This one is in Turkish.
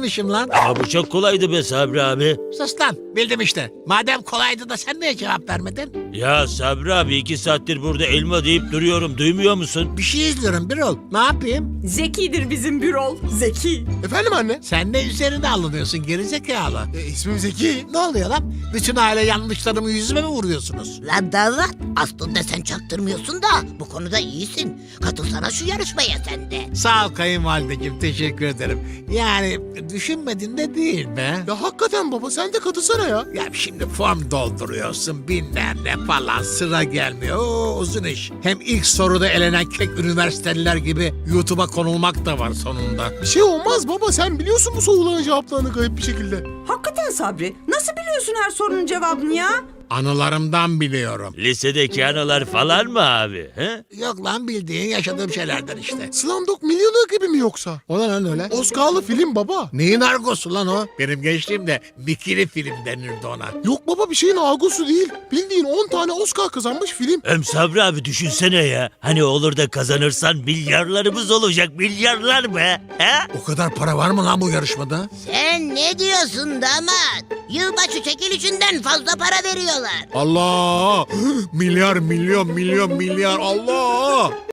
bilmişim lan. Aa, bu çok kolaydı be Sabri abi. Sus lan, bildim işte. Madem kolaydı da sen niye cevap vermedin? Ya Sabri abi 2 saattir burada elma deyip duruyorum. Duymuyor musun? Bir şey izliyorum Birol. Ne yapayım? Zekidir bizim Bürol. Zeki. Efendim anne? Sen ne üzerine alınıyorsun gerizekalı? İsmim Zeki. Ne oluyor lan? Bütün aile yanlışlarımı yüzüme mi vuruyorsunuz? Lan damat, aslında sen çaktırmıyorsun da bu konuda iyisin. Katılsana şu yarışmaya sen de. Sağ ol kayınvalideciğim, teşekkür ederim. Yani düşünmedin de değil be. Ya hakikaten baba sen de katılsana ya. Ya şimdi form dolduruyorsun bilmem ne falan sıra gelmiyor. Oo, uzun iş. Hem ilk soruda elenen kek üniversiteliler gibi YouTube'a konulmak da var sonunda. Bir şey olmaz baba sen biliyorsun bu soruların cevaplarını garip bir şekilde. Hakikaten Sabri. Nasıl biliyorsun her sorunun cevabını ya? Anılarımdan biliyorum. Lisedeki anılar falan mı abi? He? Yok lan bildiğin yaşadığım şeylerden işte. Slumdog Millionaire gibi mi yoksa? O ne lan öyle? Oscar'lı film baba. Neyin argosu lan o? Benim gençliğimde bikini film denirdi ona. Yok baba bir şeyin argosu değil. Bildiğin 10 tane Oscar kazanmış film. Hem Sabri abi düşünsene ya. Hani olur da kazanırsan milyarlarımız olacak. Milyarlar be. He? O kadar para var mı lan bu yarışmada? Sen ne diyorsun damat? Yılbaşı çekilişinden fazla para veriyorlar. Allah! Milyar, milyon, milyon, milyar Allah!